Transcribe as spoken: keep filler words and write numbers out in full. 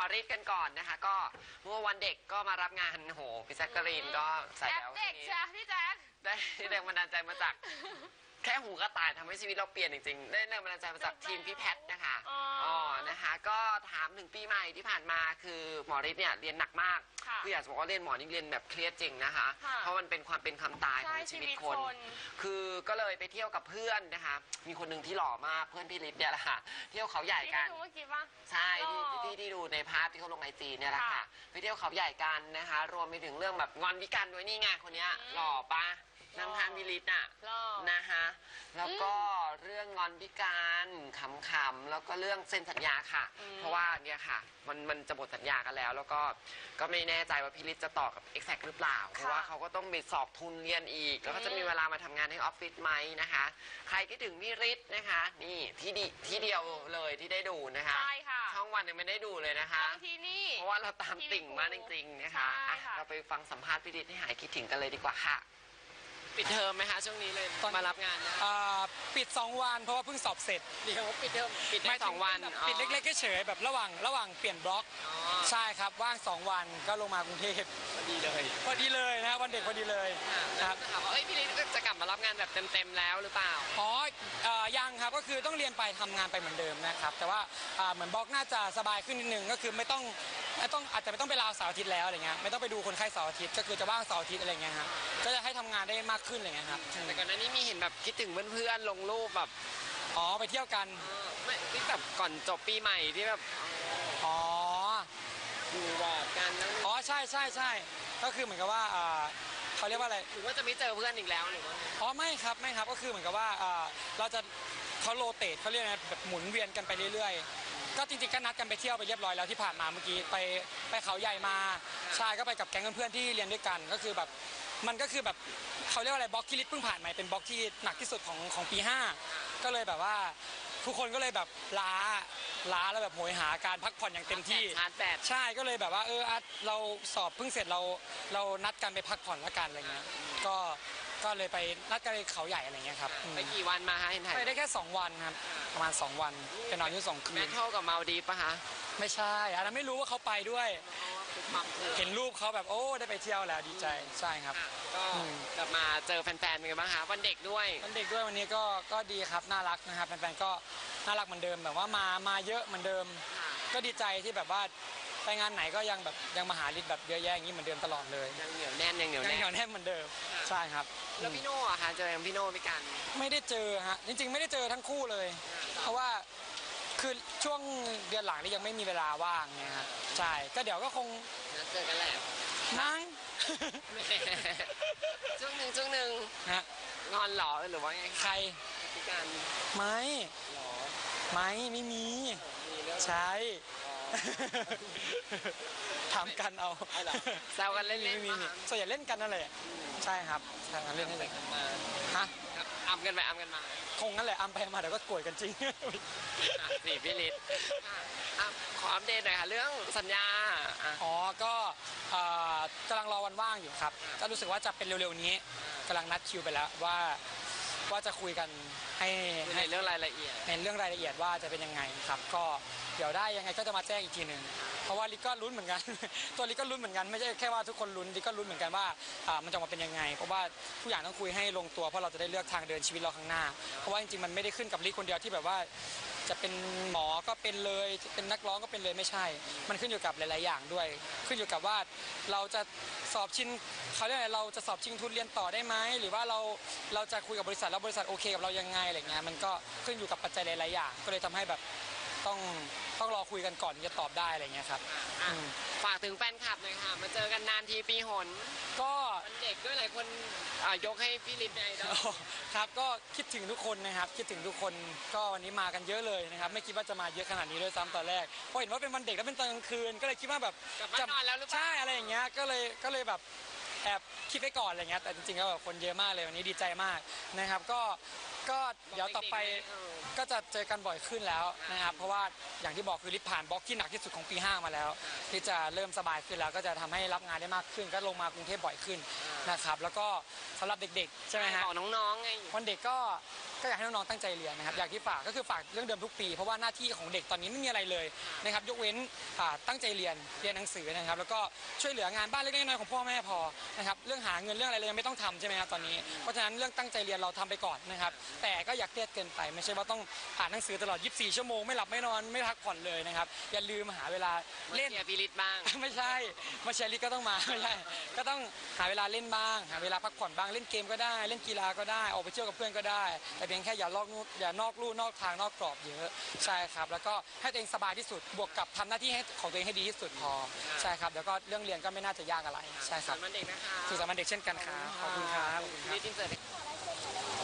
ฤทธิ์กันก่อนนะคะก็เมื่อวันเด็กก็มารับงานโหพี่แจ๊กกะรีนก็ใส่แล้วเด็กใช่พี่แจ๊คได้แรงบันดาลใจมาจากแค่หูกระต่ายทำให้ชีวิตเราเปลี่ยนจริงๆได้แรงบันดาลใจมาจากทีมพี่แพทนะคะอ๋อนะคะก็ถามถึงปีใหม่ที่ผ่านมาคือหมอฤทธิ์เนี่ยเรียนหนักมากคืออยากจะบอกว่าเรียนหมอนี่เรียนแบบเครียดจริงนะคะเพราะมันเป็นความเป็นความตายของชีวิตคนคือก็เลยไปเที่ยวกับเพื่อนนะคะมีคนหนึ่งที่หล่อมากเพื่อนพี่ฤทธิ์เนี่ยแหละค่ะเที่ยวเขาใหญ่กันใช่ที่ที่ที่ดูในพาร์ทที่เขาลงไอจีเนี่ยแหละค่ะไปเที่ยวเขาใหญ่กันนะคะรวมไปถึงเรื่องแบบงอนวิกันด้วยนี่ไงคนนี้หล่อปะนางทานวิลิตน่ะนะคะแล้วก็เรื่องงอนพิการขำๆแล้วก็เรื่องเซ็นสัญญาค่ะเพราะว่าเนี่ยค่ะมันมันจะหมดสัญญากันแล้วแล้วก็ก็ไม่แน่ใจว่าพิลิตจะต่อกับ เอ็กแซค หรือเปล่าเพราะว่าเขาก็ต้องไปสอบทุนเรียนอีกแล้วก็จะมีเวลามาทำงานในออฟฟิศไหมนะคะใครคิดถึงพี่ฤทธิ์นะคะนี่ที่ดีที่เดียวเลยที่ได้ดูนะคะใช่ค่ะช่องวันยังไม่ได้ดูเลยนะคะที่นี่เพราะว่าเราตามติ่งมากจริงๆนะคะเราไปฟังสัมภาษณ์พี่ฤทธิ์ให้หายคิดถึงกันเลยดีกว่าค่ะปิดเทอมไหมคะช่วงนี้เลยมารับงานนะปิดสองวันเพราะว่าเพิ่งสอบเสร็จเดี๋ยวปิดเทอมปิดได้สองวันปิดเล็กๆเฉยๆแบบระหว่างระหว่างเปลี่ยนบล็อกใช่ครับว่างสองวันก็ลงมากรุงเทพพอดีเลยพอดีเลยนะวันเด็กพอดีเลยครับถามว่าเอ้ยพี่ฤทธิ์จะกลับมารับงานแบบเต็มๆแล้วหรือเปล่าอ๋อยังครับก็คือต้องเรียนไปทำงานไปเหมือนเดิมนะครับแต่ว่าเหมือนบล็อกน่าจะสบายขึ้นนิดนึงก็คือไม่ต้องไม่ต้องอาจจะไม่ต้องไปลาวเสาร์อาทิตย์แล้วอะไรเงี้ยไม่ต้องไปดูคนไข้เสาร์อาทิตย์ก็คือจะว่างเสาร์อาทิตย์อะไรเงี้ยครับก็จะให้ทำงานได้มากขึ้นอะไรเงี้ยครับแต่ก่อนหน้านี้มีเห็นแบบคิดถึงเพื่อนๆลงรูปแบบอ๋อไปเที่ยวกันไม่ที่แบบก่อนจบปีใหม่ที่แบบอ๋ออยู่บอกกันอ๋อใช่ใช่ใช่ก็คือเหมือนกับว่าเขาเรียกว่าอะไรหรือว่าจะไม่เจอเพื่อนอีกแล้วหรือว่าอ๋อไม่ครับไม่ครับก็คือเหมือนกับว่าเราจะเขาโรเตทเขาเรียกไงแบบหมุนเวียนกันไปเรื่อยๆก็จริงๆก็นัดกันไปเที่ยวไปเรียบร้อยแล้วที่ผ่านมาเมื่อกี้ไปไปเขาใหญ่มาใช่ก็ไปกับแก๊งเพื่อนๆที่เรียนด้วยกันก็คือแบบมันก็คือแบบเขาเรียกว่าอะไรบล็อกที่ลิศเพิ่งผ่านมาเป็นบล็อกที่หนักที่สุดของของปีห้าก็เลยแบบว่าทุกคนก็เลยแบบล้าล้าแล้วแบบโหยหาการพักผ่อนอย่างเต็มที่ชาร์จแบตใช่ก็เลยแบบว่าเออเราสอบเพิ่งเสร็จเราเรานัดกันไปพักผ่อนละกันอะไรเงี้ยก็ก็เลยไปนัดกันไปเขาใหญ่อะไรเงี้ยครับไปกี่วันมาฮะเห็นไปได้แค่สองวันครับประมาณสองวันจะนอนอยู่สองคืนแม่เท่ากับมาลดีฟป่ะคะไม่ใช่อันนั้นไม่รู้ว่าเขาไปด้วยเห็นรูปเขาแบบโอ้ได้ไปเที่ยวแล้วดีใจใช่ครับก็กลับมาเจอแฟนๆเป็นไงบ้างคะวันเด็กด้วยวันเด็กด้วยวันนี้ก็ก็ดีครับน่ารักนะครับแฟนๆก็น่ารักเหมือนเดิมแบบว่ามามาเยอะเหมือนเดิมก็ดีใจที่แบบว่าไปงานไหนก็ยังแบบยังมาหาลิศแบบเยอะแยะอย่างนี้เหมือนเดิมตลอดเลยยังเหนียวแน่นยังเหนียวแน่นยังเหนียวแน่นเหมือนเดิมใช่ครับแล้วพี่โน่อะคะเจอพี่โน่พี่กันไม่ได้เจอฮะจริงๆไม่ได้เจอทั้งคู่เลยเพราะว่าคือช่วงเดือนหลังนี่ยังไม่มีเวลาว่างเนี่ยฮะใช่ก็เดี๋ยวก็คงเจอกันแหละนั่งช่วงหนึ่งช่วงหนึ่งฮะงอนหรอหรือว่าไงใครพี่กันไม่หรอไม่ไม่มีใช่ถามกันเอาแซวกันเล่นไม่มีส่วนใหญ่เล่นกันนั่นแหละใช่ครับใช่เล่นให้เล่นกันมาฮะอัมกันไปอัมกันมาคงนั่นแหละอัมไปมาเดี๋ยวก็โกรธกันจริงนี่พี่ฤทธิ์ขออัปเดตหน่อยค่ะเรื่องสัญญาอ๋อก็กำลังรอวันว่างอยู่ครับก็รู้สึกว่าจะเป็นเร็วๆนี้กำลังนัดคิวไปแล้วว่าว่าจะคุยกันให้ในเรื่องรายละเอียดในเรื่องรายละเอียดว่าจะเป็นยังไงครับก็เดี๋ยวได้ยังไงก็จะมาแจ้งอีกทีหนึ่งเพราะว่าลิก็ลุ้นเหมือนกันตัวลิก็ลุ้นเหมือนกันไม่ใช่แค่ว่าทุกคนลุ้นลิก็ลุ้นเหมือนกันว่ามันจะมาเป็นยังไงเพราะว่าทุกอย่างต้องคุยให้ลงตัวเพราะเราจะได้เลือกทางเดินชีวิตเราข้างหน้าเพราะว่าจริงๆมันไม่ได้ขึ้นกับลิคนเดียวที่แบบว่าจะเป็นหมอก็เป็นเลยเป็นนักร้องก็เป็นเลยไม่ใช่มันขึ้นอยู่กับหลายๆอย่างด้วยขึ้นอยู่กับว่าเราจะสอบชิงเขาเรียกอะไรเราจะสอบชิงทุนเรียนต่อได้ไหมหรือว่าเราเราจะคุยกับบริษัทแล้วบริษัทโอเคกับเรายังไงอะไรเงี้ยมันก็ขึ้นอยู่กับปัจจัยหลายๆอย่างก็เลยทำให้แบบต้องต้องรอคุยกันก่อนจะตอบได้อะไรเงี้ยครับฝากถึงแฟนคลับหน่อยค่ะมาเจอกันนานทีปีหนก็วันเด็กด้วยหลายคนยกให้พี่ฤทธิ์ในดอครับก็คิดถึงทุกคนนะครับคิดถึงทุกคนก็วันนี้มากันเยอะเลยนะครับไม่คิดว่าจะมาเยอะขนาดนี้ด้วยซ้ำตอนแรกเพราะเห็นว่าเป็นวันเด็กแล้วเป็นตอนกลางคืนก็เลยคิดว่าแบบจะนอนแล้วหรือเปล่าใช่อะไรอย่างเงี้ยก็เลยก็เลยแบบแอบคิดไว้ก่อนอะไรเงี้ยแต่จริงๆก็แบบคนเยอะมากเลยวันนี้ดีใจมากนะครับก็ก็เดี๋ยวต่อไปก็จะเจอกันบ่อยขึ้นแล้วนะครับเพราะว่าอย่างที่บอกคือลิศผ่านบล็อกที่หนักที่สุดของปีห้ามาแล้วที่จะเริ่มสบายขึ้นแล้วก็จะทำให้รับงานได้มากขึ้นก็ลงมากรุงเทพบ่อยขึ้นนะครับแล้วก็สำหรับเด็กๆใช่ไหมฮะบอกน้องๆไงวันเด็กก็ก็อยากให้น้องๆตั้งใจเรียนนะครับอยากที่ฝากก็คือฝากเรื่องเดิมทุกปีเพราะว่าหน้าที่ของเด็กตอนนี้ไม่มีอะไรเลยนะครับยกเว้นตั้งใจเรียนเรียนหนังสือนะครับแล้วก็ช่วยเหลืองานบ้านเล็กๆน้อยๆของพ่อแม่พอนะครับเรื่องหาเงินเรื่องอะไรเลยยังไม่ต้องทำใช่ไหมครับตอนนี้เพราะฉะนั้นเรื่องตั้งใจเรียนเราทำไปก่อนนะครับแต่ก็อย่าเครียดเกินไปไม่ใช่ว่าต้องอ่านหนังสือตลอดยี่สิบสี่ชั่วโมงไม่หลับไม่นอนไม่พักผ่อนเลยนะครับอย่าลืมหาเวลาเล่นเชียร์พี่ฤทธิ์บ้างไม่ใช่มาเชียร์ฤทธิ์ก็ต้องมาไม่ใช่ก็ต้องหาเวลาเล่นบ้างหาเวลาพักผ่อนบ้างเล่นเกมก็ได้เล่นกีฬาก็ได้ออกไปเที่ยวกับเพื่อนก็ได้แต่เพียงแค่อย่าลอกนู่นอย่านอกลู่นอกทางนอกกรอบเยอะใช่ครับแล้วก็ให้ตัวเองสบายที่สุดบวกกับทำหน้าที่ให้ของตัวเองให้ดีที่สุดพอใช่ครับแล้วก็เรื่องเรียนก็ไม่น่าจะยากอะไรใช่ครับมันเด็กนะคะสุขสันต์วันเด็กเช่นกันครับขอบคุณครับขอบคุณครับ